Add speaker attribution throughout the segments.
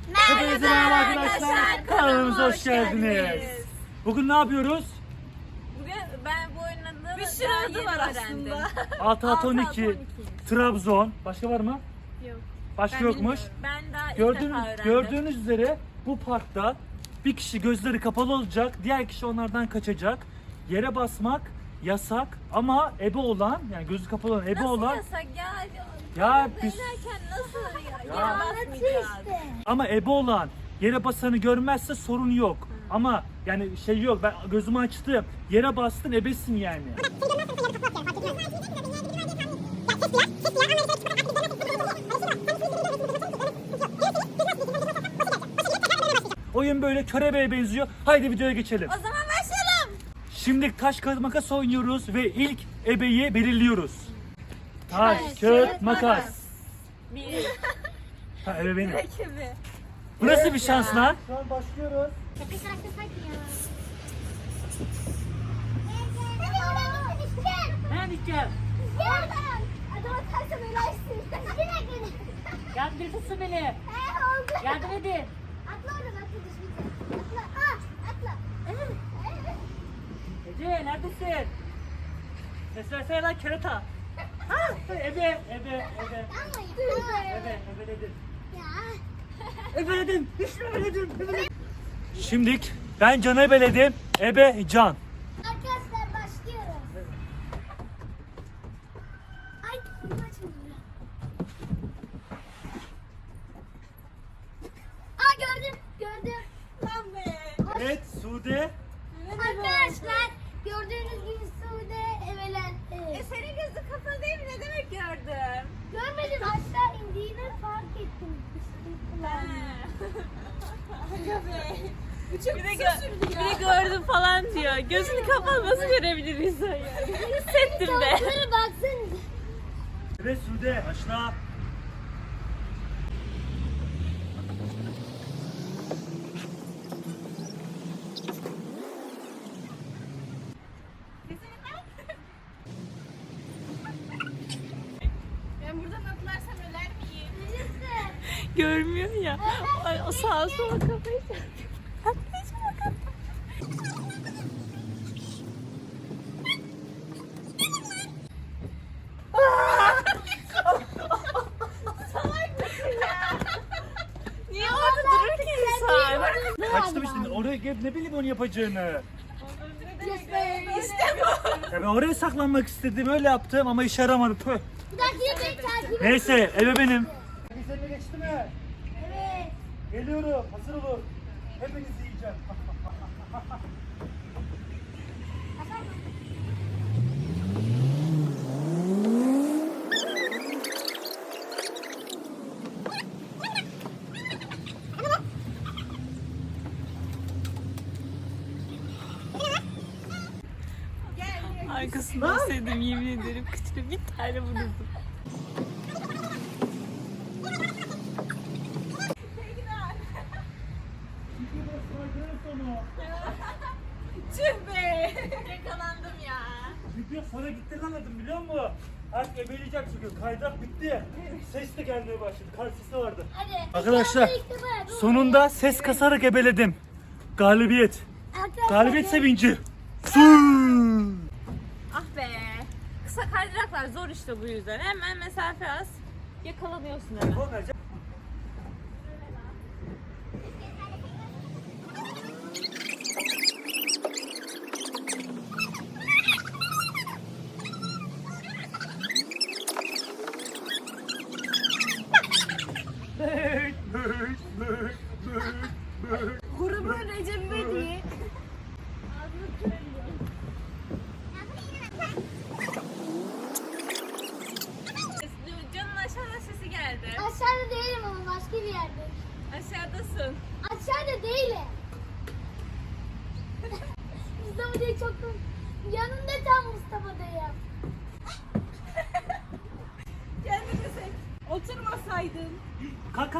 Speaker 1: Hepinize merhaba arkadaşlar. Kanalımıza hoş geldiniz. Bugün ne yapıyoruz?
Speaker 2: Bugün ben bu oyunun adını
Speaker 3: Bir sürü adı var aslında.
Speaker 1: 6-12 Trabzon. Başka var mı?
Speaker 2: Yok.
Speaker 1: Başka
Speaker 2: Ben
Speaker 1: yokmuş.
Speaker 2: bilmiyorum. Ben daha ilk
Speaker 1: Gördüğünüz,
Speaker 2: defa öğrendim.
Speaker 1: gördüğünüz üzere bu parkta bir kişi gözleri kapalı olacak, diğer kişi onlardan kaçacak. Yere basmak yasak ama ebe olan, yani gözü kapalı olan ebe
Speaker 2: Nasıl
Speaker 1: olan
Speaker 2: yasak ya?
Speaker 1: Ya
Speaker 2: biz...
Speaker 1: biz-
Speaker 2: nasıl ya?
Speaker 1: Ya.
Speaker 2: Yere basmayacağız.
Speaker 1: ama ebe olan yere basanı görmezse sorun yok. Ama yani şey yok, ben gözümü açtım, yere bastın, ebesin yani. Oyun böyle körebeye benziyor. Haydi videoya geçelim.
Speaker 2: O zaman başlayalım.
Speaker 1: Şimdi taş kağıt makas oynuyoruz ve ilk ebeyi belirliyoruz. Taş kağıt makas.
Speaker 2: Bir.
Speaker 1: Ha, ebe benim.
Speaker 2: Rakibi.
Speaker 1: Bu nasıl bir şans lan? Şu an başlıyoruz. Ben gideceğim. Yardım bir tutsun beni. Yardım edin. Ece neredesin? Ses versene lan kerata. Ha, ebe. Ebeledim. Ebeledim. İşte ebeledim. Şimdilik ben Can'ı ebeledim. Ebe Can.
Speaker 3: Arkadaşlar başlıyoruz. Ay bunu açmıyor. Aa gördüm.
Speaker 2: Lan be.
Speaker 1: Evet Sude.
Speaker 3: Arkadaşlar gördüğünüz gibi Sude evelendi.
Speaker 2: Senin gözün kapalı değil mi? Ne demek gördüm?
Speaker 3: Görmedim aşağı indiğini fark ettim.
Speaker 2: Bir de gördüm falan diyor. Gözünü kapalı nasıl görebilir insan ya? Hissettim be.
Speaker 3: Tavuklara baksanıza.
Speaker 1: Evet Sude başla.
Speaker 2: Ben buradan atlarsam öler miyim?
Speaker 3: Neresi?
Speaker 2: Görmüyor ya. Ay, o sağa sola kafayı çarpıyor. Atlayacağım bakalım. Niye orada durur ki insan?
Speaker 1: Kaçtım işte, oraya gelip ne bileyim onu yapacağını.
Speaker 2: İşte bu.
Speaker 1: Ya ben oraya saklanmak istedim, öyle yaptım ama işe yaramadı. Tüh.
Speaker 3: Bir dakika beni takip et.
Speaker 1: Neyse ebe benim. Herkes geçti mi?
Speaker 3: Evet.
Speaker 1: Geliyorum, hazır olun. Hepinizi yiyeceğim.
Speaker 2: Arkasından sevdim yemin ederim. Kıçına bir tane vurdum. Tüh be. Yakalandım ya.
Speaker 1: Video sonra gitti anladım biliyor musun? Artık ebeleyecek çünkü kaydak bitti. Ses de gelmeye başladı. Kar sesi vardı.
Speaker 3: Hadi.
Speaker 1: Arkadaşlar sonunda ses kasarak ebeledim. Galibiyet. Galibiyet sevinci. Su.
Speaker 2: Ah be. Kısa kaydıraklar zor işte bu yüzden. Hemen mesafe az. Yakalanıyorsun hemen.
Speaker 3: Grubun Recep İvedik.
Speaker 2: Canın aşağıda sesi geldi.
Speaker 3: Aşağıda değilim ama başka bir yerde.
Speaker 2: Aşağıdasın.
Speaker 3: Aşağıda değilim. Mustafa değil çok yanında tam Mustafa'dayım.
Speaker 2: Kendini seç. Oturmasaydın.
Speaker 1: Kalk.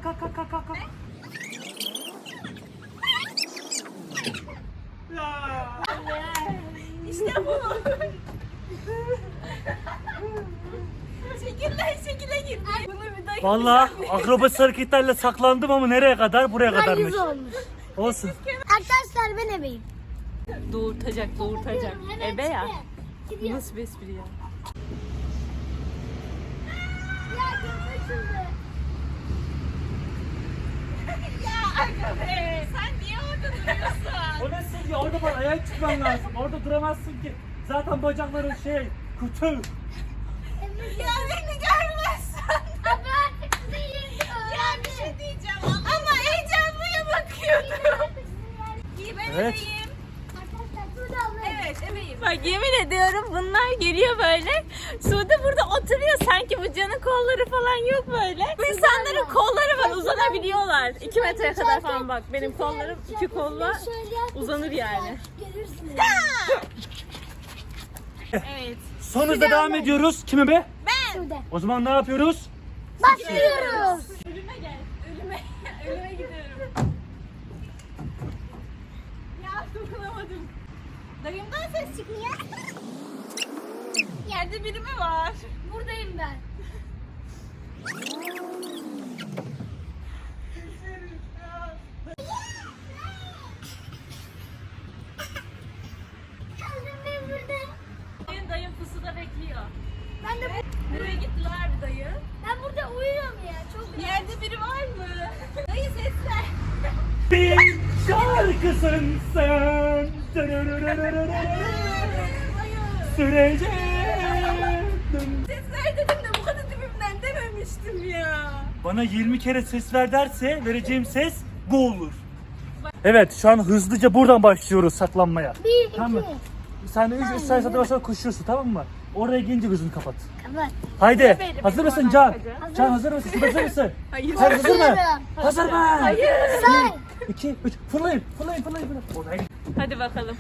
Speaker 2: İşte bu. Şekilden şekile girdi. Bunu bir daha
Speaker 1: Vallahi akrobatik hareketlerle saklandım ama nereye kadar? Buraya kadarmış.
Speaker 3: Yüz olmuş.
Speaker 1: Olsun.
Speaker 3: Arkadaşlar ben ebeyim.
Speaker 2: Doğurtacak.
Speaker 3: Hemen
Speaker 2: Ebe ya.
Speaker 3: çıktı. Gidiyor.
Speaker 2: Nasıl bir espri ya?
Speaker 3: Ya kaçırdı.
Speaker 2: Ya aga be. Sen niye orada duruyorsun?
Speaker 1: O nasıl ya? Orada bak ayağa çıkman lazım. Orada duramazsın ki. Zaten bacakların kutu.
Speaker 2: Ya beni görmezsen.
Speaker 3: Abi artık değil.
Speaker 2: Ya bir şey diyeceğim ama heyecanlıya bakıyorum. İyi ben
Speaker 1: Evet.
Speaker 2: ebeyim.
Speaker 3: Arkadaşlar Sude abla.
Speaker 2: Evet ebeyim. Bak yemin ediyorum bunlar geliyor böyle. Sude burada oturuyor sanki bu canın kolları falan yok böyle. Bu insanların kolları var uzanabiliyorlar. 2 metreye kadar falan bak. Benim kollarım 2 kolla uzanır yani.
Speaker 3: Görürsünüz.
Speaker 2: Evet.
Speaker 1: Son hızla devam ediyoruz. Kime be?
Speaker 3: Sude.
Speaker 1: O zaman ne yapıyoruz?
Speaker 3: Başlıyoruz.
Speaker 2: Ölüme gel. Ölüme gidiyorum. Ya dokunamadım. Dayımdan ses çıkmıyor. Yerde biri mi var?
Speaker 3: Buradayım ben. Geldim ben burada.
Speaker 2: Dayım pusuda bekliyor.
Speaker 3: Ben de
Speaker 2: Nereye gittiler bir dayı?
Speaker 3: ben burada uyuyorum ya. Çok
Speaker 2: Yerde biri var mı? Dayı sesler.
Speaker 1: Bir şarkısın sen. Süreceğim.
Speaker 2: Sesler dedim de bu kadar dibimden dememiştim ya.
Speaker 1: Bana 20 kere ses ver derse vereceğim ses bu olur. Evet şu an hızlıca buradan başlıyoruz saklanmaya.
Speaker 3: 1, 2.
Speaker 1: Tamam mı? Sen de 3 sayı satır sonra koşuyorsun tamam mı? Oraya gelince gözünü kapat.
Speaker 3: Kapat.
Speaker 1: Haydi.
Speaker 2: benim
Speaker 1: Hazır mısın
Speaker 2: oradan
Speaker 1: Can?
Speaker 2: kaçacağım.
Speaker 1: Can hazır mısın? Siz hazır mısın?
Speaker 2: Hayır.
Speaker 1: Sen hazır mı?
Speaker 3: Hazırım.
Speaker 1: Hazır mı?
Speaker 2: Hayır.
Speaker 3: Say.
Speaker 1: 2, 3. Fırlayın. Oraya git.
Speaker 2: Hadi bakalım.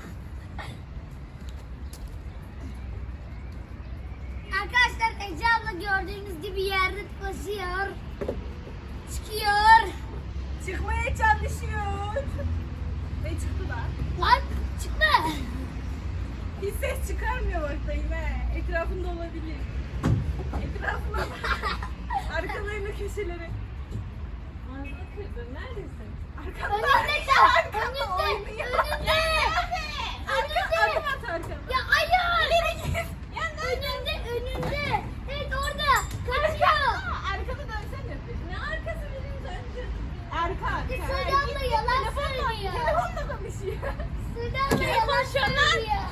Speaker 3: Arkadaşlar Ece abla gördüğünüz gibi yerde koşuyor. Çıkıyor.
Speaker 2: Çıkmaya çalışıyor. Ve çıktı da.
Speaker 3: Lan çıkma.
Speaker 2: Hiç ses çıkarmıyor bak dayım he. Etrafında olabilir. Etrafına bak. Arkalarını köşeleri. Ağzını kırdın. Neredesin? Arkanda.
Speaker 3: Önünde kal.
Speaker 2: Arkanda
Speaker 3: Önünde.
Speaker 2: oynuyor.
Speaker 3: Önünde.
Speaker 2: Arkanda. Adım at arkanda.
Speaker 3: Ya hayır.
Speaker 2: İleri git. Ya
Speaker 3: Önünde. Evet orada. Kaçıyor.
Speaker 2: Arkada dönsene. Ne arkası benim döndüm. Arka.
Speaker 3: Sude abla yalan söylüyor.
Speaker 2: Telefonla konuşuyor.
Speaker 3: Sude abla
Speaker 2: Kim
Speaker 3: yalan
Speaker 2: konuşuyor lan?
Speaker 3: söylüyor.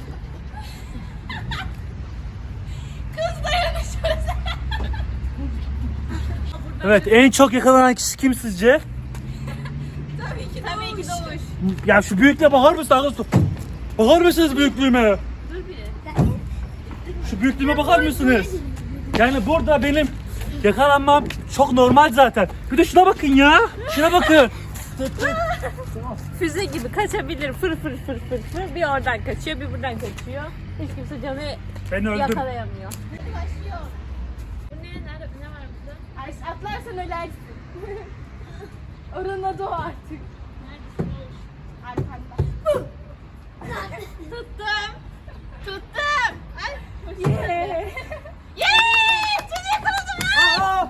Speaker 2: Kız dayanışıyoruz.
Speaker 1: Evet en çok yakalanan kişi kim sizce?
Speaker 2: Tabii ki Doğuş.
Speaker 1: Ya şu büyüklüğe bakar mısın arkadaşlar? Bakar mısınız büyüklüğüme?
Speaker 2: Dur bir.
Speaker 1: Şu büyüklüğüme bakar mısınız? Yani burada benim yakalanmam çok normal zaten. Bir de şuna bakın ya. Şuna bakın.
Speaker 2: Füze gibi kaçabilir fır fır fır fır fır. Bir oradan kaçıyor bir buradan kaçıyor. Hiç kimse canı
Speaker 1: Ben öldüm.
Speaker 2: yakalayamıyor. Başlıyor. Bu ne? Nerede? Ne var burada? Ay, atlarsan ölersin. Oranın adı o artık. Neredesin Doğuş? Arkanda. Tuttum. Tuttum. Ay. Yeah. Yeah! Sizi yakaladım.
Speaker 1: Aa!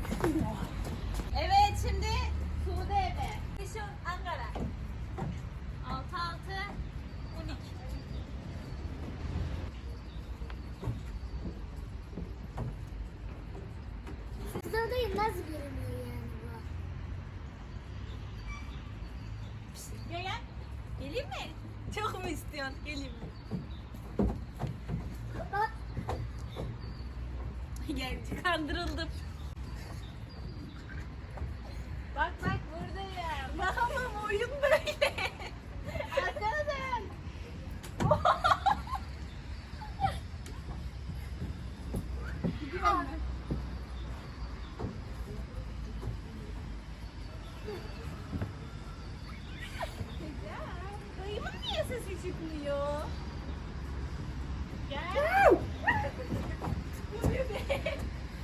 Speaker 2: Evet şimdi Sude eve. Kışın Ankara. 6 12.
Speaker 3: Siz oradayım nasıl görünüyor yani bu?
Speaker 2: Gel gel. Geleyim mi? Çok mu istiyorsun? Geleyim mi?
Speaker 3: Bak.
Speaker 2: Gel kandırıldım. Bak bak buradayım. Bakalım oyun böyle. Arkana dön. Dayımın niye sesi çıkmıyor? Gel. Bu bebek.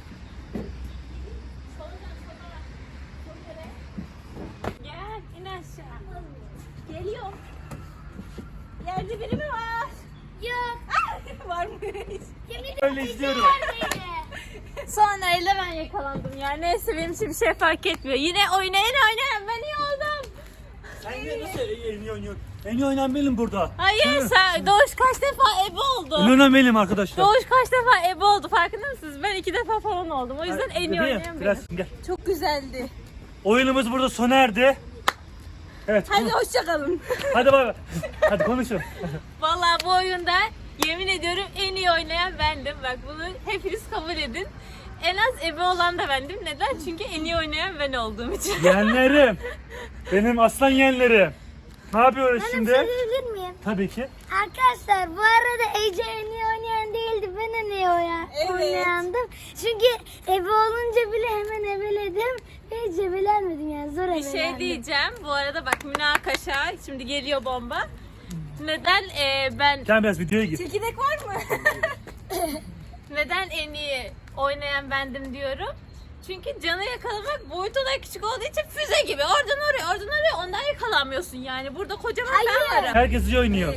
Speaker 2: Gel in aşağı. Geliyor. Yerde biri mi var?
Speaker 3: Yok.
Speaker 2: Varmış.
Speaker 3: Yemin
Speaker 1: Öyle
Speaker 3: ederim
Speaker 1: izliyorum.
Speaker 3: neredeydi?
Speaker 2: Sonra öyle ben yakalandım ya. Neyse benim için bir şey fark etmiyor. Yine oynayan ben iyi oldum.
Speaker 1: Sen yine nasıl en iyi oynuyorsun? En iyi oynayan benim burada.
Speaker 2: Hayır sen Doğuş kaç defa ebe oldu.
Speaker 1: En iyi oynayan benim arkadaşlar.
Speaker 2: Doğuş kaç defa ebe oldu farkında mısınız? Ben 2 defa falan oldum. O yüzden en iyi
Speaker 1: Bebeğim,
Speaker 2: oynayan benim.
Speaker 1: biraz gel.
Speaker 2: Çok güzeldi.
Speaker 1: Oyunumuz burada sona erdi. Evet.
Speaker 2: Hadi hoşçakalın.
Speaker 1: Hadi bay bay. Hadi konuşun.
Speaker 2: Vallahi bu oyunda yemin ediyorum en iyi oynayan bendim. Bak bunu hepiniz kabul edin. En az ebe olan da bendim. Neden? Çünkü en iyi oynayan ben olduğum için.
Speaker 1: Yeğenlerim. Benim aslan yeğenlerim. Ne yapıyoruz
Speaker 3: Ben
Speaker 1: şimdi?
Speaker 3: söyleyebilir miyim?
Speaker 1: Tabii ki.
Speaker 3: Arkadaşlar bu arada Ece en iyi oynayan değildi. Ben en iyi
Speaker 2: Evet.
Speaker 3: oynayandım. Çünkü ebe olunca bile hemen ebeledim. Ve hiç ebelenmedim yani zor
Speaker 2: Bir
Speaker 3: ebelendim.
Speaker 2: şey diyeceğim. Bu arada bak münakaşa. Şimdi geliyor bomba. Neden ben...
Speaker 1: Gel biraz videoya gir.
Speaker 2: Çekirdek var mı? Neden en iyi oynayan bendim diyorum. Çünkü canı yakalamak boyutu da küçük olduğu için füze gibi. Oradan oraya ondan yakalanmıyorsun yani. Burada kocaman ben varım.
Speaker 1: Herkes iyi oynuyor.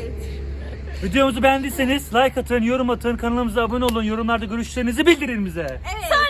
Speaker 1: Videomuzu beğendiyseniz like atın, yorum atın, kanalımıza abone olun, yorumlarda görüşlerinizi bildirin bize.
Speaker 2: Evet.